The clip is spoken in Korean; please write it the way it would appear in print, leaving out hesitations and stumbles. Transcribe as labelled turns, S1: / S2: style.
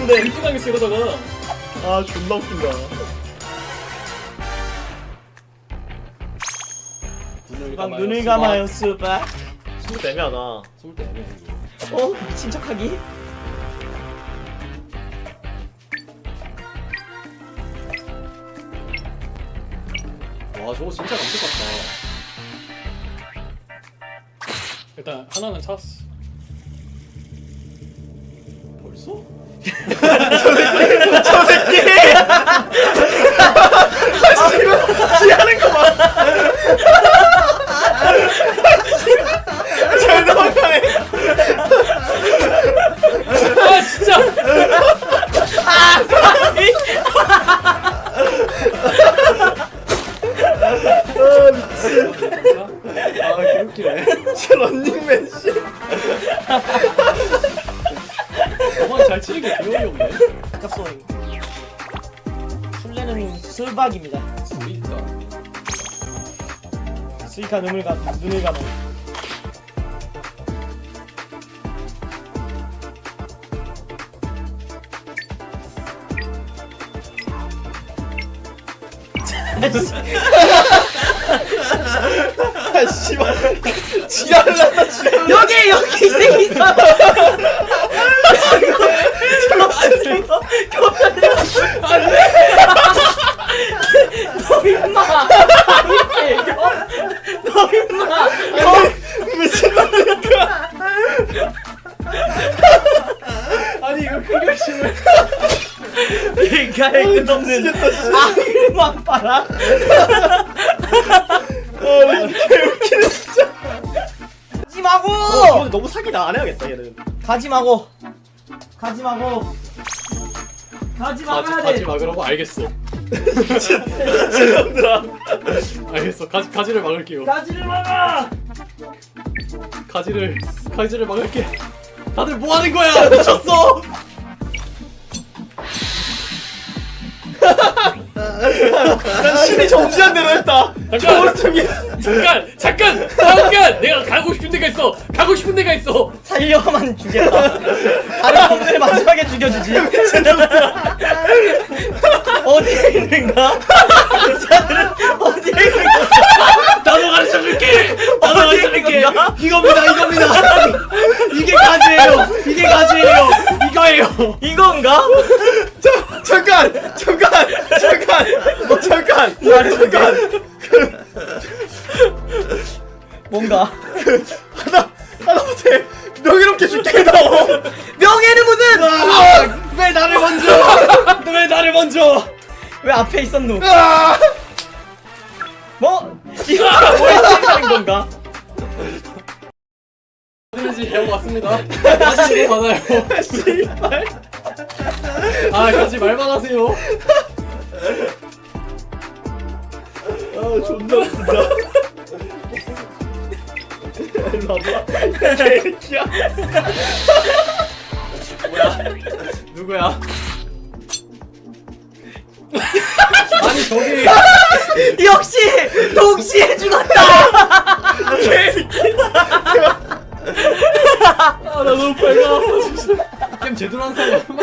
S1: 뻔했는데.
S2: 일등하겠어 이러다가.
S1: 아 존나 웃긴다.
S3: 눈을 감아요 수박.
S1: 숨을 때 애매하다.
S2: 숨을 때 애매해.
S3: 어? 미친 척하기?
S2: 와 저거 진짜 감쪽 같다. 일단 하나는 찾았어. 벌써?
S1: 저 새끼! 지하는 거 봐! 잘 넘어가네!
S2: 아 진짜! 아 개웃기네.
S1: 저 런닝맨 씨.
S2: 저만 잘 치는 게 기억이 없네.
S3: 아깝소잉. 술래는 술박입니다.
S2: 우리니까.
S3: 수익한 눈을 감아.
S1: 아 씨발. 지랄을 한다 지랄을.
S3: 여기 이 새끼 있어. 너 임마. 너 임마.
S1: 미친놈이니까. 아니 이거 큰 결심을.
S3: 얘가의 끝없는 아이만 봐라.
S1: 아 개웃기네 진짜.
S3: 가지 마고.
S1: 근데 너무 사기다. 안 해야겠다 얘는.
S3: 가지 마고. 가지 마고. 가지 막아야
S2: 가지
S3: 돼.
S2: 막으라고 알겠어.
S1: 미친놈들아.
S2: 알겠어. 가지를 막을게요.
S3: 가지를 막아.
S2: 가지를 막을게. 다들 뭐 하는 거야? 미쳤어.
S1: 난 신이 정지한 대로 했다.
S2: 잠깐. 내가 가고 싶은 데가 있어.
S3: 살려만 죽겠다. 다른 놈들 마지막에 죽여주지. 어디에 있는가? 자들은 어디에 있는가?
S2: 나도 가르쳐줄게.
S3: 건가?
S2: 이겁니다. 이게 가지예요. 이거예요.
S3: 이건가?
S1: 잠깐.
S3: 뭔가?
S1: 하다못해 명예롭게 죽게 나오.
S3: 명예는 무슨?
S2: 왜 나를 먼저?
S3: 왜 앞에 있었노?
S1: 아!
S3: 뭐? 이거 뭐야? 건가?
S2: 어디든지 배워 왔습니다. 가지 많아요.
S1: 씨발.
S2: 아 가지 말만 하세요.
S1: 아 존나 웃긴다. 일로 와봐. 개새끼야.
S2: 누구야? 아니 저기
S3: 역시 동시에 죽었다.
S1: 개새끼.
S2: 아 나 너무 배가 아파 진짜. 게임 제대로 한 사람